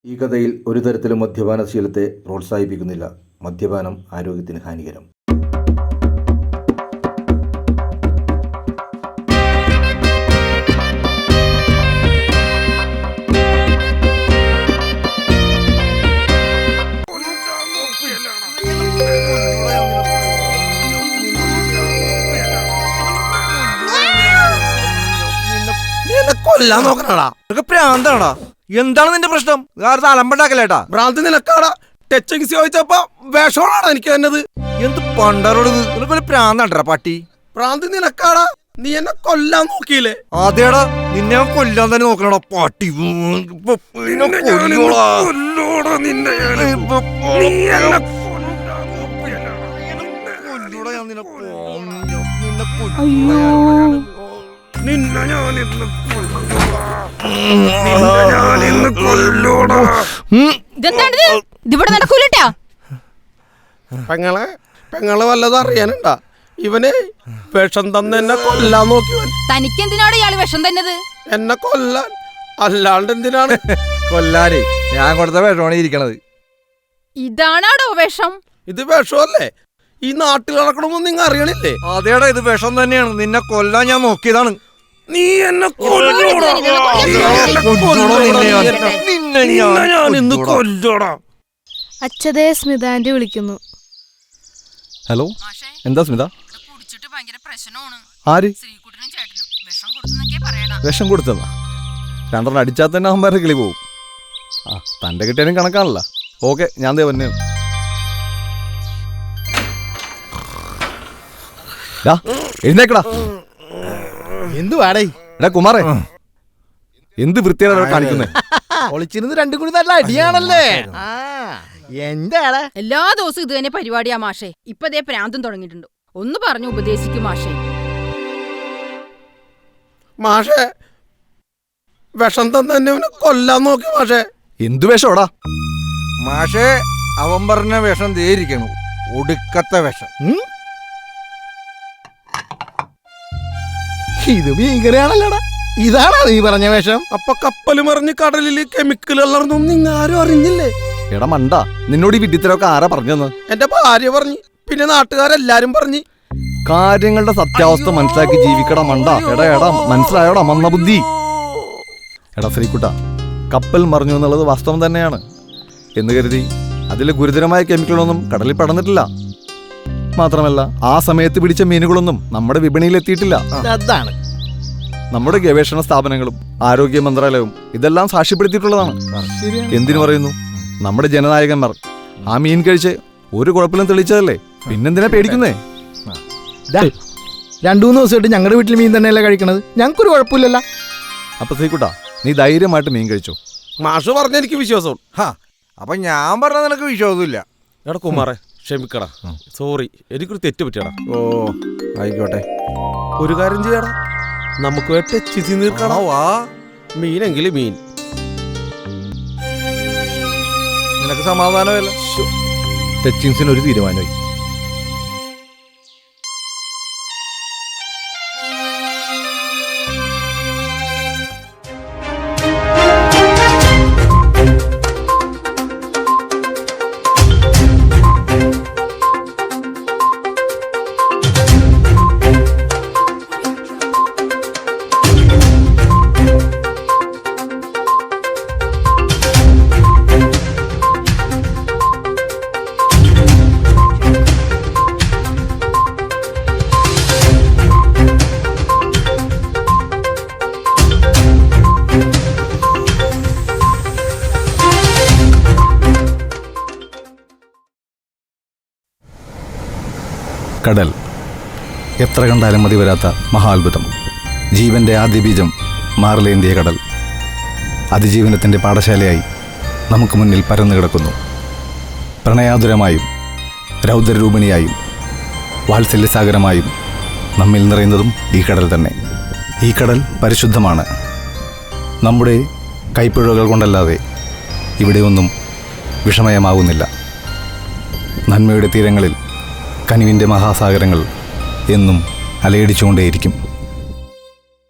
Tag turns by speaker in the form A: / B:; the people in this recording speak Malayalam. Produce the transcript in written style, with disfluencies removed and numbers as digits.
A: ഈ കഥയിൽ ഒരു തരത്തിലും മദ്യപാനശീലത്തെ പ്രോത്സാഹിപ്പിക്കുന്നില്ല. മദ്യപാനം ആരോഗ്യത്തിന് ഹാനികരം.
B: കൊല്ലാൻ നോക്കണടാ, പ്രാന്താടാ. എന്താണ് നിന്റെ പ്രശ്നം? അലമ്പണ്ടാക്കല്ലേട്ടാ. ഭ്രാന്ത് നിനക്കാടാ. ടച്ചിങ് ചോദിച്ചപ്പോ വിഷമാണാടാ എനിക്ക് തന്നത്. എന്ത് പണ്ടാറോട് നിനക്കൊരു പ്രാന്താണ്ടാ പട്ടി. ഭ്രാന്ത് നിനക്കാടാ. നീ എന്നെ കൊല്ലാൻ നോക്കിയില്ലേ? അതേടാ, നിന്നെ കൊല്ലാൻ തന്നെ നോക്കണടാ പട്ടി. പെങ്ങളെ വല്ലതും അറിയാനുണ്ടാ? ഇവനെ വിഷം തന്നെ എന്നെ കൊല്ലാൻ നോക്കി.
C: തനിക്കെന്തിനാണ് ഇയാള് വിഷം തന്നത്?
B: എന്നെ കൊല്ലാൻ, അല്ലാണ്ട് എന്തിനാണ്? കൊല്ലാനേ ഞാൻ കൊടുത്ത വിഷമാണ് ഇരിക്കണത്.
C: ഇതാണോ വിഷം?
B: ഇത് വിഷമല്ലേ? ഈ നാട്ടിൽ നടക്കണമെന്ന് നിങ്ങൾ അറിയണില്ലേ? അതേടാ, ഇത് വിഷം തന്നെയാണ്. നിന്നെ കൊല്ലാൻ ഞാൻ നോക്കിയതാണ്. നീ എന്നെ
D: അച്ഛതേ സ്മിത ആന്റി വിളിക്കുന്നു.
E: ഹലോ, എന്താ സ്മിത? ആര് വിഷം കൊടുത്തതാ? രണ്ടെണ്ണം അടിച്ചാൽ തന്നെ അമ്മമാരെ കിളി പോവും. ആ, തൻ്റെ കിട്ടിയാലും കണക്കാണല്ലോ. ഓക്കെ, ഞാൻ ദേ വന്നെ. എഴുന്നേക്കടാ.
B: എന്ത് വേടേ?
E: എടാ കുമാറേ, എന്ത് വൃത്തിയാണ് കാണിക്കുന്നേ?
B: ഒളിച്ചിരുന്ന് രണ്ടും കൂടി നല്ല അടിയാണല്ലേ. എന്താടാ?
C: എല്ലാ ദിവസവും ഇത് തന്നെ പരിപാടിയാ മാഷേ. ഇപ്പതേ പ്രാന്തം തുടങ്ങിയിട്ടുണ്ട്. ഒന്ന് പറഞ്ഞു ഉപദേശിക്കും മാഷേ.
B: മാഷേ, വിഷം തന്നെ കൊല്ലാൻ നോക്കി മാഷേ.
E: എന്തു വിഷോടാ?
B: മാഷേ, അവൻ പറഞ്ഞ വിഷം തേരിക്കണു. ഒടുക്കത്തെ വിഷം. ഇത് ഭീകരയാണല്ലോടാ. ഇതാണോ നീ പറഞ്ഞ വേഷം? അപ്പൊ കപ്പല് മറിഞ്ഞ് കടലില് കെമിക്കൽ കലർന്നും നിങ്ങാരും അറിഞ്ഞില്ലേ?
E: എടാ മണ്ട, നിന്നോട് ഈ വിഡിത്തരൊക്കെ ആരാ പറഞ്ഞെന്ന്?
B: എന്റെ ഭാര്യ പറഞ്ഞു, പിന്നെ നാട്ടുകാരെല്ലാരും പറഞ്ഞു.
E: കാര്യങ്ങളുടെ സത്യാവസ്ഥ മനസ്സിലാക്കി ജീവിക്കടാ മണ്ട. എടാ എടാ, മനസ്സിലായോടാ മന്ദബുദ്ധി? എടാ ശ്രീകുട്ട, കപ്പൽ മറിഞ്ഞു എന്നുള്ളത് വാസ്തവം തന്നെയാണ് എന്ന് കരുതി അതിലെ ഗുരുതരമായ കെമിക്കലൊന്നും കടലിൽ പടർന്നിട്ടില്ല. മാത്രമല്ല, ആ സമയത്ത് പിടിച്ച മീനുകളൊന്നും നമ്മുടെ വിപണിയിൽ എത്തിയിട്ടില്ല.
B: അതാണ്
E: നമ്മുടെ ഗവേഷണ സ്ഥാപനങ്ങളും ആരോഗ്യ മന്ത്രാലയവും ഇതെല്ലാം സാക്ഷ്യപ്പെടുത്തിയിട്ടുള്ളതാണ്. എന്തിനു പറയുന്നു? നമ്മുടെ ജനനായകന്മാർ ആ മീൻ കഴിച്ച് ഒരു കുഴപ്പമില്ല തെളിയിച്ചതല്ലേ. പിന്നെന്തിനാ പേടിക്കുന്നേ?
B: 2-3 ദിവസമായിട്ട് ഞങ്ങളുടെ വീട്ടിൽ മീൻ തന്നെയല്ലേ കഴിക്കണത്. ഞങ്ങൾക്കൊരു കുഴപ്പമില്ലല്ലോ.
E: അപ്പൊ ശ്രീകുട്ട, നീ ധൈര്യമായിട്ട് മീൻ കഴിച്ചു.
B: മാഷ് പറഞ്ഞ എനിക്ക് വിശ്വാസം. അപ്പൊ ഞാൻ പറഞ്ഞ നിനക്ക് വിശ്വാസമില്ല. എടാ കുമാറെ, ക്ഷമിക്കടാ. സോറി, എനിക്കൊരു തെറ്റ് പറ്റിയടാ.
E: ഓ ആയിക്കോട്ടെ.
B: ഒരു കാര്യം ചെയ്യടാ, നമുക്ക് ടച്ച് നീർക്കണോ? വാ, മീനെങ്കിലും മീൻ.
E: നിനക്ക് സമാധാനമല്ല. ടച്ചിങ്സിന് ഒരു തീരുമാനമായി. കടൽ എത്ര കണ്ടാലും മതി വരാത്ത മഹാത്ഭുതം. ജീവന്റെ ആദ്യ ബീജം മാറിലേന്തിയ കടൽ അതിജീവനത്തിൻ്റെ പാഠശാലയായി നമുക്ക് മുന്നിൽ പരന്നു കിടക്കുന്നു. പ്രണയാതുരമായും രൗദ്രരൂപിണിയായും വാത്സല്യസാഗരമായും നമ്മിൽ നിറയുന്നതും ഈ കടൽ തന്നെ. ഈ കടൽ പരിശുദ്ധമാണ്. നമ്മുടെ കൈപ്പിഴകൾ കൊണ്ടല്ലാതെ ഇവിടെയൊന്നും വിഷമയമാവുന്നില്ല. നന്മയുടെ തീരങ്ങളിൽ കനിവിൻ്റെ മഹാസാഗരങ്ങൾ എന്നും അലയടിച്ചുകൊണ്ടേയിരിക്കും.